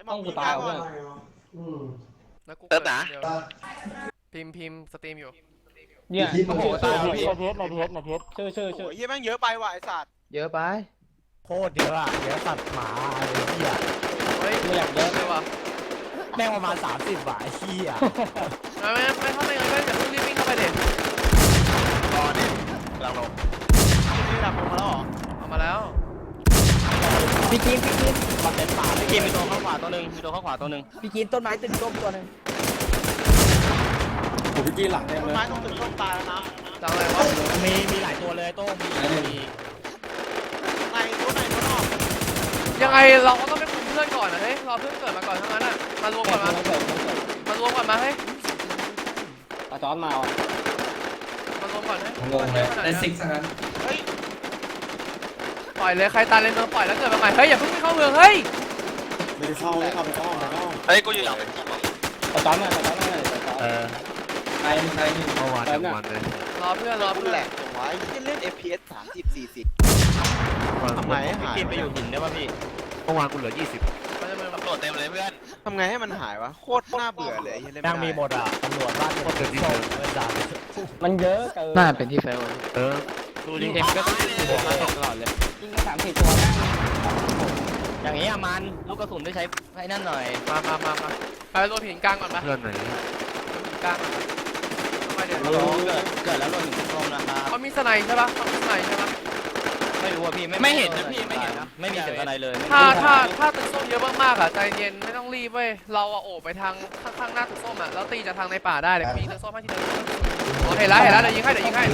ต้องกูตายเพื่อนแล้วกูเติร์ดนะพิมพ์สตรีมอยู่เนี่ยโอ้โหตายในพี่เทสชื่อโอ้ยเหี้ยแม่งเยอะไปว่ะไอ้สัตว์เยอะไปโคตรเยอะอะเยอะสัตว์หมาไอ้เหี้ยเฮ้ยไม่อยากเยอะเลยว่ะแม่งประมาณ30บาทไอ้เหี้ยไม่เข้าไปเลยก็อย่าเพิ่งรีบวิ่งเข้าไปเด็ดตอนนี้เราลงนี่ดับลงมาแล้วเหรอเอามาแล้วพี่กินมันเป็นป่าเลยมีตัวข้างขวาตัวหนึ่งพี่กินต้นไม้ตึกส้มตัวหนึ่งผมพี่กี้หลังเต็มต้นเลยไม้ต้องถึงต้นตายแล้วนะจังเลยวะมีหลายตัวเลยโต้งมีในตัวนอกยังไงเราก็ต้องไปคุมเพื่อนก่อนนะเฮ้ยรอเพื่อนเกิดมาก่อนทั้งนั้นอ่ะมารวมก่อนมารวมก่อนมาเฮ้ยตาจอนมาว่ะมารวมก่อนเฮ้ยงงเลยได้ซิกซะงั้นเฮ้ยปล่อยเลยใครตายเลยเมืองปล่อยแล้วเกิดมาใหม่เฮ้ยอย่าเพิ่งไปเข้าเมืองเฮ้ยไม่ได้เข้าไม่เข้าไปอ้อมไปอ้อมเฮ้ยกูอยู่อย่างตาจอนมาตาจอนมาตาจอน ใครเมื่อวานทั้งวันเลยรอเพื่อนรอกูเพื่อนแหลกจังวะไอ้เหี้ยเล่น FPS 30 40ทำไงให้หายกินไปอยู่หินได้ป่ะพี่เมื่อวานกูเหลือ20 มันจะเป็นตำรวจเต็มเลยเพื่อนทำไงให้มันหายวะโคตรน่าเบื่อเลยไอ้เหี้ยเล่นแม่งมีไม่หมได้ดอ่ะตำรวจบ้านโคตรเต็มที่เลยเว้ยจ้ามันเยอะเกินน่าเป็นที่เฟลดูยิดิงเอ็มก็ต้องยิงหัวมาตกตลอดเลยยิงกัน3-4ตัวนั่งอย่างนี้อะมันลูกกระสุนได้ใช้ให้นั่นหน่อยมาไปรวมหินกลางก่อนปะเพื่อนไหนหินกลางทำไมเดี๋ยวเกิดแล้วโดนหินส้มนะครับเขามีสไนใช่ปะเขามีสไนใช่ปะไม่รู้ว่าพี่ไม่เห็นนะพี่ไม่เห็นนะไม่มีเสียงอะไรเลยถ้าตึกส้มเยอะมากๆอ่ะใจเย็นไม่ต้องรีบเว้ยเราอะโอบไปทางข้างหน้าตึกส้มอ่ะแล้วตีจากทางในป่าได้เดี๋ยวมีตึกส้มให้ทีเดียวโอเคแล้วเดี๋ยวยิงให้เดี๋ยวยิงให้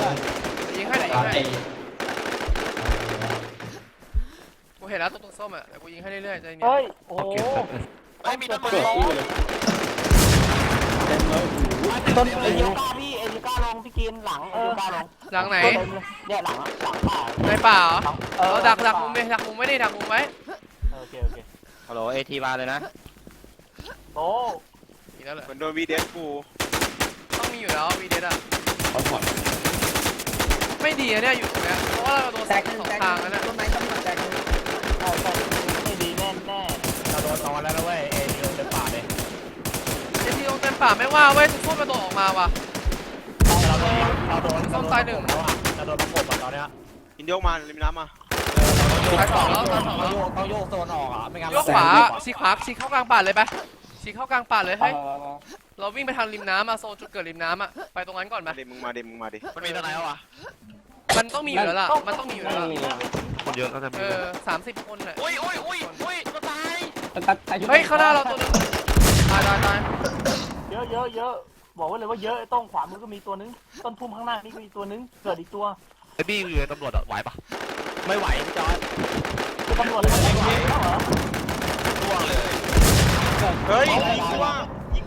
กูเห็นแล้วตึกส้มอ่ะเดี๋ยวกูยิงให้เรื่อยๆใจเย็นเฮ้ยโอ้โหไม่มีต้นไม้เกิดที่เลยเต็มเลยต้นเอลิก้าพี่เอลิก้าลงพี่กินหลังเอลิก้าลงหลังไหนเนี่ยหลังป่าในป่าเหรอดักมุมไว้ดิดักมุมไว้โอเคฮัลโหลเอทีมาเลยนะโอ้อีกแล้วเหรอเหมือนโดนวีเดสกูต้องมีอยู่แล้ววีเดสอ่ะเขาถอดไม่ดีนะเนี่ยอยู่ตรงเนี้ยเพราะว่าเราโดนสองทางแล้วเนี่ยต้นไม้ต้นแตกไม่ดีแน่เราโดนตอนแล้วนะเว้ยเอลิโอเต็มป่าเลยไอ้ที่ตรงเต็มป่าไม่ว่าเว้ยทุกคนมาโดดออกมาว่ะเราโดนส้มตายหนึ่งเราโดนประกบตอนเนี้ยอินโยกมาริมน้ำมาตายสองแล้วต้องโยกโซนออกอ่ะไม่งั้นยกขวาชี้เข้ากลางป่าเลยไปชี้เข้ากลางป่าเลยให้เราวิ่งไปทางริมน้ำอะโซนจุดเกิดริมน้ำอะไปตรงนั้นก่อนไหมมึงมาดิมันมีต้นไม้วะมันต้องมีอยู่แล้วล่ะมันต้องมีอยู่แล้วล่ะคนเยอะก็จะมี 30 คนน่ะอุ้ยก็ตายเฮ้ยข้างหน้าเราตัวนึงตายเยอะบอกไว้เลยว่าเยอะต้องขวามือก็มีตัวนึงต้นพุ่มข้างหน้านี่ก็มีตัวนึงเกิดอีกตัวไอ้บี้อยู่ในตำรวจไหวปะไม่ไหวพี่จอยคือตำรวจอะไรไม่ไหวแล้วเหรอร่วงเลยเฮ้ยยิงกูว่ายิง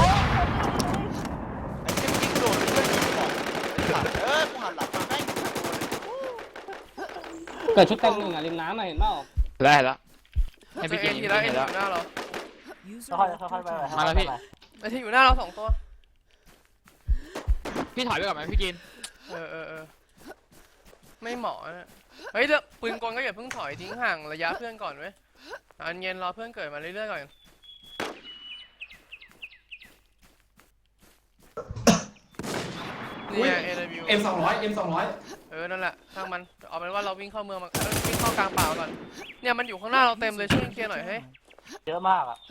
ไอ้เหี้ยยิงโดนเพื่อนยิงก่อนกูหันหลังมาให้เกิดชุดเต็มหนึ่งอ่ะริมน้ำมาเห็นเปล่าได้แล้วให้พี่กินทีละเอ็นอยู่หน้าเราค่อยไปมาแล้วพี่ไอ้ที่อยู่หน้าเรา2 ตัวพี่ถอยไปก่อนไหมพี่กินไม่เหมาะนะเฮ้ยเดี๋ยวปืนกลก็อย่าเพิ่งถอยทิ้งห่างระยะเพื่อนก่อนเว้ยอันเย็นรอเพื่อนเกิดมาเรื่อยๆก่อนนี่ไง AW M200 นั่นแหละช่างมันเอาเป็นว่าเราวิ่งเข้าเมืองมาวิ่งเข้ากลางป่าก่อนเนี่ยมันอยู่ข้างหน้าเราเต็มเลยช่วยเคลียร์หน่อยเฮ้ยเยอะมากอ่ะ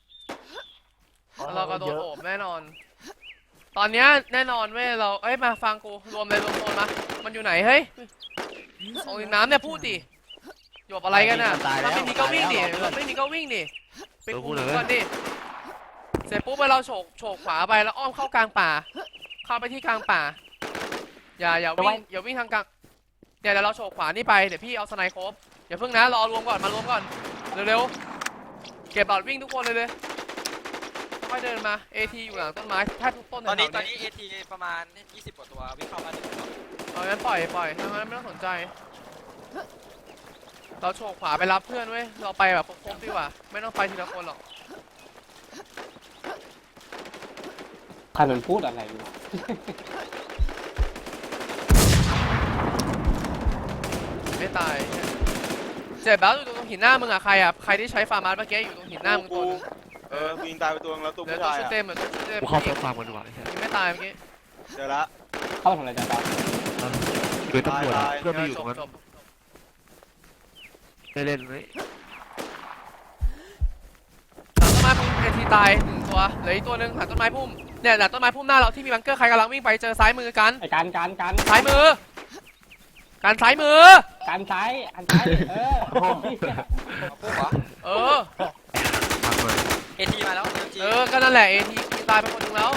เราก็โดนโอบแน่นอน ตอนเนี้ยแน่นอนเว้ยเรามาฟังกูรวมเลยรวมโซนมามันอยู่ไหนเฮ้ยตรงริมน้ำเนี่ยพูดดิหยบอะไรกันน่ะเราไม่มีก็วิ่งดิเราไม่มีก็วิ่งดิไปกูก่อนดิเสร็จปุ๊บไปเราโฉกขวาไปแล้วอ้อมเข้ากลางป่าเข้าไปที่กลางป่าอย่าวิ่งทางกลางเนี่ยเดี๋ยวเราโฉกขวานี่ไปเดี๋ยวพี่เอาสไนโคบอย่าเพิ่งนะรอรวมก่อนมารวมก่อนเร็วๆเก็บบอดวิ่งทุกคนเลยค่อยเดินมา AT อยู่หลังต้นไม้แทบทุกต้นตอนนี้AT ประมาณ20 กว่าตัววิ่งเข้ามาเอางั้นปล่อยถ้างั้นไม่ต้องสนใจเราโฉกขวาไปรับเพื่อนเว้ยเราไปแบบครบๆดีกว่าไม่ต้องไปทีละคนหรอกใครมันพูดอะไรอยู่ไม่ตายเจ็บแล้วอยู่ตรงหินหน้ามึงอะใครอะใครที่ใช้ฟาร์มาร์เมื่อกี้อยู่ตรงหินหน้ามึงตัวนึงยิงตายไปตัวนึงแล้วตัวเดี๋ยวผู้ตัวชายชุดอ่ะเต็มอะตัวชุดเต็มกูเข้าเซิร์ฟฟาร์มกันดีกว่ายังไม่ตายเมื่อกี้เจอละเข้ามาทำอะไรจ้าคือตำรวจเพื่อนไปอยู่จตรบงนั้นจบได้เล่นไหมหลังต้นไม้พุ่มเอทีตาย1ตัวเหลืออีกตัวนึงหลังต้นไม้พุ่มเนี่ยหลังต้นไม้พุ่มหน้าเราที่มีบังเกอร์ใครกำลังวิ่งไปเจอซ้ายมือกันไอ้การซ้ายมือการซ้ายมือการซ้ายอันซ้ายปุ๊บเหรอเออทางเลยเอทีมาแล้วจริงก็นั่นแหละเอทีตายไปคนนึงแล้ว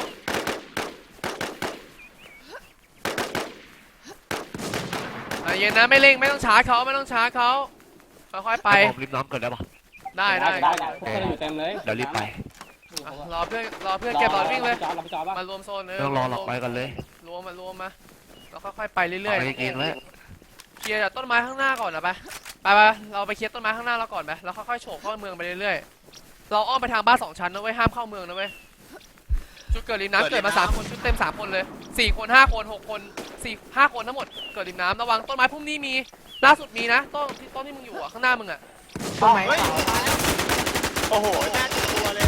เย็นนะไม่เร่งไม่ต้องช้าเขาไม่ต้องช้าเขาค่อยๆไปผมริมน้ำเกิดแล้วป่ะได้พวกเราอยู่เต็มเลยเดี๋ยวรีบไปรอเพื่อนเก็บหลอดวิ่งเลยจอดป่ะมารวมโซนต้องรอหลับไปกันเลยรวมมาแล้วค่อยๆไปเรื่อยไปเองแล้วเคลียร์จากต้นไม้ข้างหน้าก่อนนะไปเราไปเคลียร์ต้นไม้ข้างหน้าเราก่อนไปแล้วค่อยๆโฉบเข้าเมืองไปเรื่อยๆเราอ้อมไปทางบ้าน2ชั้นนะเว้ยห้ามเข้าเมืองนะเว้ยจุดเกิดริมน้ำเกิดมา3คนชุดเต็ม3คนเลย4คน5คน6คน5คนทั้งหมดเกิดริมน้ำระวังต้นไม้พุ่มนี้มีล่าสุดมีนะต้นที่มึงอยู่ข้างหน้ามึงอะต้นไม้โอ้โหแม่ตัวเลย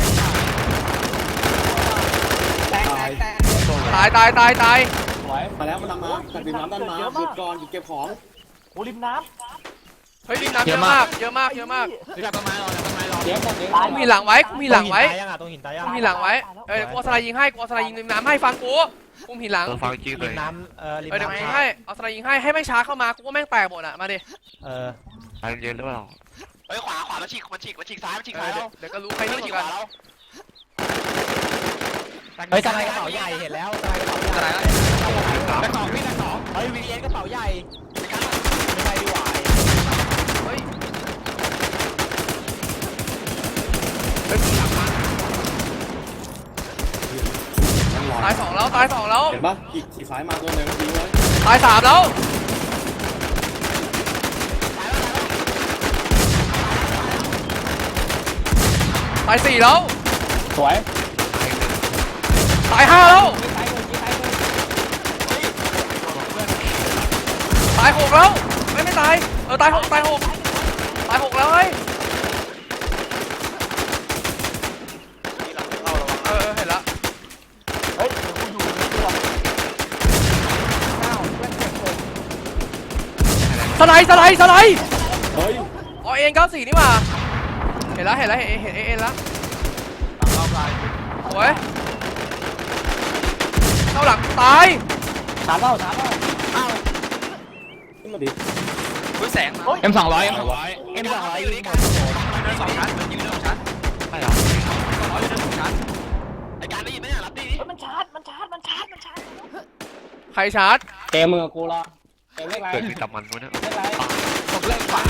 ตายตายสวยมาแล้วมันนำมาตัดดินน้ำด้านมาหยุดก่อนหยุดเก็บของโอ้ริมน้เฮ้ยริมน้ำเยอะมากำเดี๋ยวหมดเดี๋ยวกูมีหลังไว้กูมีหลังไว้ตรงหินตายยังกูมีหลังไว้กูเอาสไลด์ยิงให้กูเอาสไลด์ยิงริมน้ำให้ฟังกูกูมีหลังฟังจริงเลยน้ำริมเดี๋ยวกูน้ำยิงให้เอาสไลด์ยิงให้ไม่ช้าเข้ามากูก็แม่งแตกหมดอะมาดิใจเย็นหรือเปล่าเฮ้ยขวามันฉีกซ้ายแล้วเดี๋ยวก็รู้ใครนี่งกว่ากันเฮ้ยสไลด์กระเป๋าใหญ่เห็นแล้วสไลด์กระเป๋าใหญ่กระสองพี่กระสองเฮ้ยวีเอ็นกระเป๋าใหญ่ไม่ใช่ดีหวายเฮ้ย ตายสองแล้วเห็นปะขี่ซ้ายมาตัวหนึ่งทิ้งไว้ตาย3แล้วตาย4แล้วสวยตาย5แล้วตาย6แล้วไม่ตายตาย6ตาย6แล้วเฮ้ยนี่หลังเข้าระวังเห็นละเฮ้ยเดี๋ยวกูอยู่ในตัวสไลด์เฮ้ยอ๋อเอ็น94นี่หว่าเห็นเอ็นละเข้าไปสวยเข้าหลังตายถามเปล่าขึ้นมาดิอุ้ยแสงมา M200 M200 อยู่นี่กันเดิน2 ชั้นมันยิงเดิน2 ชั้นไม่หรอ200อยู่เดิน2 ชั้นไอการได้ยินไหมเนี่ยรับดิเฮ้ยมันชาร์จใครชาร์จเกมมือกูรอเกมเล็กไรเกิดมีตำมันด้วยนะเล็กไรผมเล่นขวา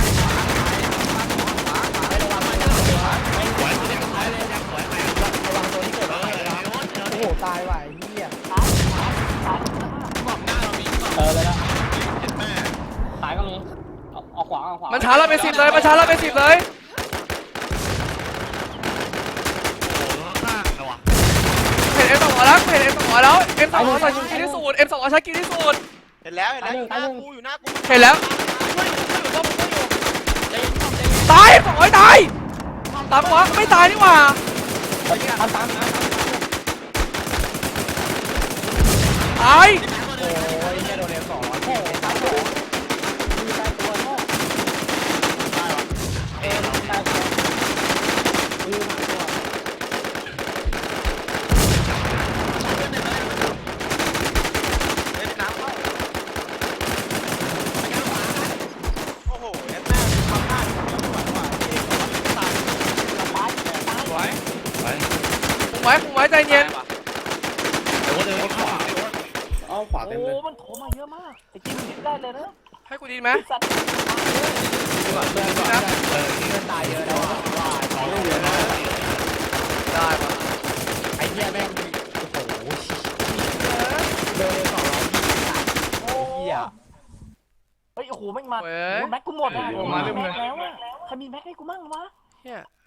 ไม่ไหวตัวนี้ท้ายเลยยังสวยไประวังตัวที่เกิดอะไรโอ้โหตายว่ะไอ้เหี้ยบอกหน้าเรามีเลยละเจ็ดแม่ซ้ายก็มีเอาขวามันชาร์จเราไป10เลยมันชาร์จเราไป10เลยโอ้โหข้างนะวะเห็น M200 แล้วM200 ใส่กินที่สุด M200 ใช้กินที่สุดเห็นแล้วหน้ากูอยู่หน้ากูเห็นแล้วตายM200ตายตามวะไม่ตายนี่หว่าตามตายโอ้ยเหี้ยโดนเอ็ม200 โอ้ตายตัวมีตายตัวโง่ตายตัวมีหางตัวเล่นน้ำเข้าโอ้โหแม่ทำหน้าที่ตายสวยคุมไว้ใจเย็นเดี๋ยวก็เดินขวาเอาขวาโอ้เต็มเลยมันโถมาเยอะมากไอ้จิ้มนิดได้เลยนะให้กูดีไหมไอ้สัตว์นะเพื่อนตายเยอะแล้วอ่ะของเล่นเยอะนะได้ปะไอ้เหี้ยแม่งโอ้โหโดน200 โอ้เหี้ยเฮ้ยโอ้โหแม่งมาเว้ยแม็กกูหมดอ่ะมาเรื่อยๆแม็กแล้วอ่ะใครมีแม็กให้กูมั่งวะเฮีย